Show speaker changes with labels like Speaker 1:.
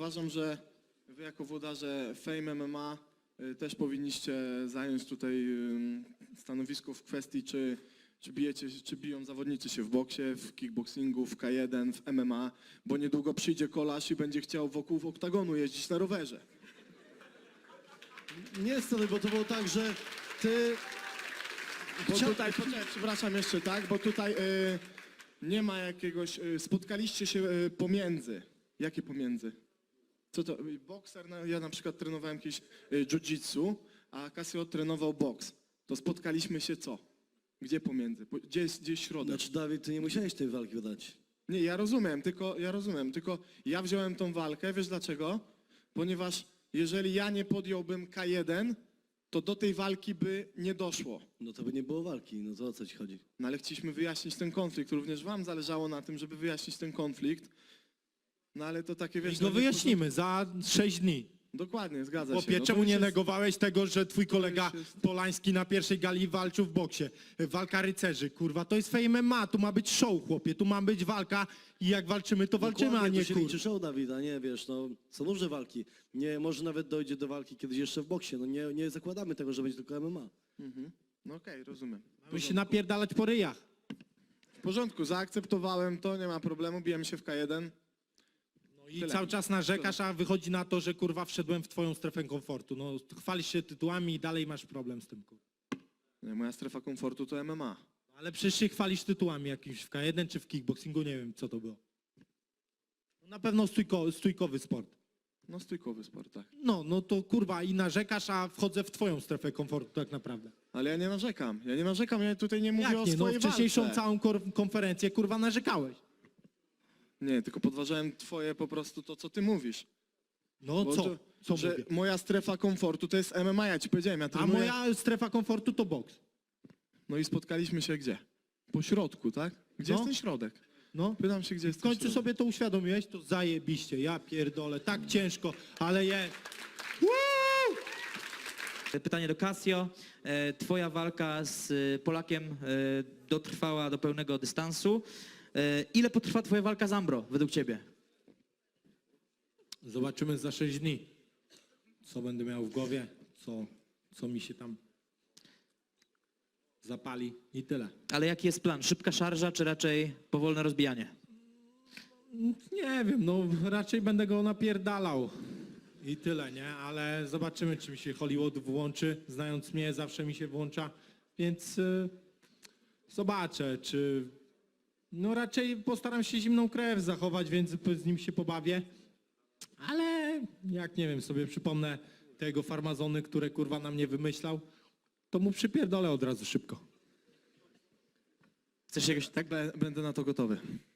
Speaker 1: uważam, że wy jako włodarze Fame MMA też powinniście zająć tutaj stanowisko w kwestii, czy biją zawodnicy się w boksie, w kickboxingu, w K1, w MMA, bo niedługo przyjdzie kolarz i będzie chciał wokół oktagonu jeździć na rowerze.
Speaker 2: Nie, stary, bo to było tak, że ty...
Speaker 1: Bo tutaj, przepraszam jeszcze, tak, bo tutaj nie ma jakiegoś, spotkaliście się pomiędzy. Jakie pomiędzy? Co to, bokser, ja na przykład trenowałem kiedyś jiu-jitsu, a Casio trenował boks. To spotkaliśmy się co? Gdzie pomiędzy? Gdzie jest środek?
Speaker 2: Znaczy, Dawid, ty nie musiałeś tej walki dać.
Speaker 1: Nie, ja rozumiem, tylko ja wziąłem tą walkę, wiesz dlaczego? Ponieważ jeżeli ja nie podjąłbym K1, to do tej walki by nie doszło.
Speaker 2: No to by nie było walki, no to o co ci chodzi?
Speaker 1: No ale chcieliśmy wyjaśnić ten konflikt, również wam zależało na tym, żeby wyjaśnić ten konflikt. No ale to takie, wiesz...
Speaker 3: I go wyjaśnimy za 6 dni.
Speaker 1: Dokładnie, zgadza się.
Speaker 3: Chłopie,
Speaker 1: No
Speaker 3: czemu
Speaker 1: już
Speaker 3: nie
Speaker 1: jest-
Speaker 3: negowałeś tego, że twój kolega
Speaker 1: już jest-
Speaker 3: Polański na pierwszej gali walczył w boksie? Walka rycerzy, kurwa, to jest Fame MMA, tu ma być show, chłopie, tu ma być walka i jak walczymy, to walczymy,
Speaker 2: Dokładnie,
Speaker 3: a nie
Speaker 2: to się
Speaker 3: kurwa.
Speaker 2: liczy show, Dawid, a nie, wiesz, no, są różne walki. Nie, może nawet dojdzie do walki kiedyś jeszcze w boksie, no nie zakładamy tego, że będzie tylko MMA.
Speaker 1: No okej, rozumiem.
Speaker 3: Mamy się napierdalać po ryjach.
Speaker 1: W porządku, zaakceptowałem to, nie ma problemu, bijemy się w K1.
Speaker 3: No i
Speaker 1: Tyle.
Speaker 3: cały czas narzekasz, a wychodzi na to, że kurwa wszedłem w twoją strefę komfortu. No chwalisz się tytułami i dalej masz problem z tym, kurwa.
Speaker 1: Nie, moja strefa komfortu to MMA.
Speaker 3: Ale przecież się chwalisz tytułami jakimś w K1 czy w kickboxingu, nie wiem co to było. No, na pewno stójkowy sport.
Speaker 1: No stójkowy sport, tak.
Speaker 3: No to kurwa i narzekasz, a wchodzę w twoją strefę komfortu tak naprawdę.
Speaker 1: Ale ja nie narzekam, ja tutaj nie mówię
Speaker 3: Jak
Speaker 1: o
Speaker 3: nie? No
Speaker 1: swojej
Speaker 3: wcześniejszą
Speaker 1: walce.
Speaker 3: całą konferencję kurwa narzekałeś.
Speaker 1: Nie, tylko podważałem twoje po prostu to, co ty mówisz.
Speaker 3: No
Speaker 1: Bo
Speaker 3: co?
Speaker 1: to,
Speaker 3: Co
Speaker 1: że
Speaker 3: mówię?
Speaker 1: moja strefa komfortu to jest MMA, ja ci powiedziałem, ja
Speaker 3: A
Speaker 1: trenuję...
Speaker 3: moja strefa komfortu to boks.
Speaker 1: No i spotkaliśmy się gdzie? Po środku, tak? Gdzie
Speaker 3: No.
Speaker 1: jest ten środek?
Speaker 3: No.
Speaker 1: Pytam się, gdzie jest
Speaker 3: W
Speaker 1: ten
Speaker 3: końcu
Speaker 1: środek.
Speaker 3: sobie to uświadomiłeś, to zajebiście, ja pierdolę, tak ciężko, ale je... Woo!
Speaker 4: Pytanie do Casio. Twoja walka z Polakiem dotrwała do pełnego dystansu. Ile potrwa twoja walka z Ambro według ciebie?
Speaker 3: Zobaczymy za 6 dni, co będę miał w głowie, co mi się tam zapali i tyle.
Speaker 4: Ale jaki jest plan? Szybka szarża, czy raczej powolne rozbijanie?
Speaker 3: Nie wiem, no raczej będę go napierdalał i tyle, nie? Ale zobaczymy, czy mi się Hollywood włączy. Znając mnie, zawsze mi się włącza, więc zobaczę, czy... No raczej postaram się zimną krew zachować, więc z nim się pobawię. Ale jak, nie wiem, sobie przypomnę tego farmazony, które kurwa na mnie wymyślał, to mu przypierdolę od razu szybko.
Speaker 4: Chcesz się jakoś...
Speaker 1: Tak, będę na to gotowy.